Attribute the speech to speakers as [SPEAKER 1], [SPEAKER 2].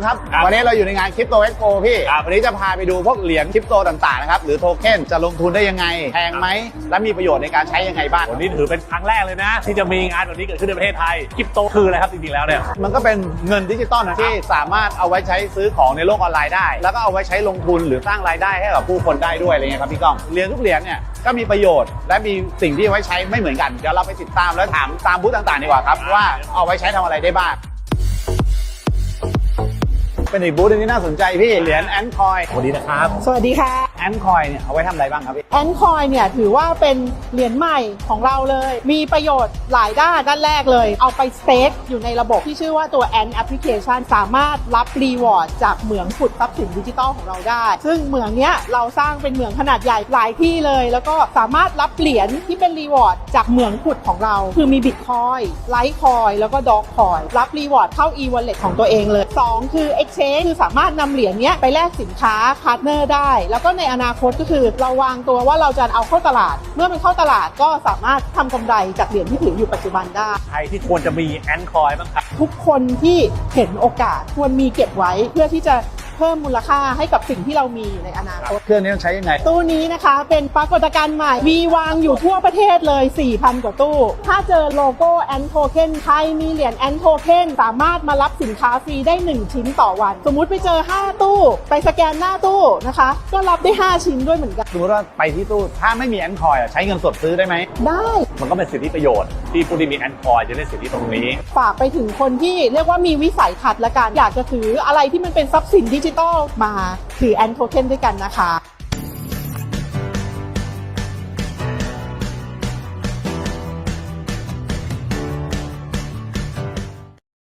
[SPEAKER 1] ครับวันนี้เราอยู่ในงานคริปโตเอ็กโปพี่วันนี้จะพาไปดูพวกเหรียญคริปโตต่างๆนะครับหรือโทเค็นจะลงทุนได้ยังไงแพงไหมและมีประโยชน์ในการใช้ยังไงบ้าง
[SPEAKER 2] วันนี้ถือเป็นครั้งแรกเลยนะที่จะมีงานแบบนี้เกิดขึ้นในประเทศไทยคริปโตคืออะไรครับจริงๆแล้วเนี่ย
[SPEAKER 1] มันก็เป็นเงินดิจิตอลนะที่สามารถเอาไว้ใช้ซื้อของในโลกออนไลน์ได้แล้วก็เอาไว้ใช้ลงทุนหรือสร้างรายได้ให้กับผู้คนได้ด้วยอะไรเงี้ยครับพี่ก้องเหรียญทุกเหรียญเนี่ยก็มีประโยชน์และมีสิ่งที่ไว้ใช้ไม่เหมือนกันเดี๋ยวเราไปติดตามและถามตามบูธต่างๆดีกว่าครับว่าเอาไว้ใช้ทำอะไรได้บ้างเป็นอีกบูธนึงที่น่าสนใจพี่เหรียญแอนคอย
[SPEAKER 2] สวัสดีนะครับ
[SPEAKER 3] สวัสดีค่ะ
[SPEAKER 1] แอนคอยเนี่ยเอาไว้ทำอะไรบ้างครับพี่
[SPEAKER 3] แอนคอยเนี่ยถือว่าเป็นเหรียญใหม่ของเราเลยมีประโยชน์หลายด้านแรกเลยเอาไปสเต็กอยู่ในระบบที่ชื่อว่าตัวแอนแอปพลิเคชันสามารถรับรีวอร์ดจากเหมืองขุดทรัพย์สินดิจิตอลของเราได้ซึ่งเหมืองเนี้ยเราสร้างเป็นเหมืองขนาดใหญ่หลายที่เลยแล้วก็สามารถรับเหรียญที่เป็นรีวอร์ดจากเหมืองขุดของเราคือมีบิตคอยไลท์คอยแล้วก็ดอกคอยรับรีวอร์ดเข้า e-wallet ของตัวเองเลย2คือ exchange คือสามารถนำเหรียญนี้ไปแลกสินค้าพาร์ทเนอร์ได้แล้วก็ในอนาคตก็คือเราวางตัวว่าเราจะเอาเข้าตลาดเมื่อมันเข้าตลาดก็สามารถทำกำไรจากเหรียญที่ถืออยู่ปัจจุบันได้
[SPEAKER 2] ใครที่ควรจะมีแอนคอยบ้างครับ
[SPEAKER 3] ทุกคนที่เห็นโอกาสควรมีเก็บไว้เพื่อที่จะเพิ่มมูลค่าให้กับสิ่งที่เรามีอยู่ในอนาคต
[SPEAKER 1] เครื่องนี้ต้องใช้ยังไง
[SPEAKER 3] ตู้นี้นะคะเป็นปรากฏการณ์ใหม่มีวางอยู่ทั่วประเทศเลย 4,000 กว่าตู้ถ้าเจอโลโก้แอนโทเค็นใครมีเหรียญแอนโทเค็นสามารถมารับสินค้าฟรีได้1ชิ้นต่อวันสมมุติไปเจอ5ตู้ไปสแกนหน้าตู้นะคะก็รับได้5ชิ้นด้วยเหมือนกัน
[SPEAKER 1] สมมติว่าไปที่ตู้ถ้าไม่มีแอนคอยใช้เงินสดซื้อได้ไหม
[SPEAKER 3] ได้
[SPEAKER 2] มันก็เป็นสิทธิประโยชน์ที่ผู้ที่มีแอนคอยจะได้สิทธิตรงนี้
[SPEAKER 3] ฝากไปถึงคนที่เรียกว่ามีวิสัยทัศน์และการอยากจะถืออะไรที่มันเป็นทรัพย์สินดิจิทัลมาถือแอนโทเค็นด้วยกันนะคะ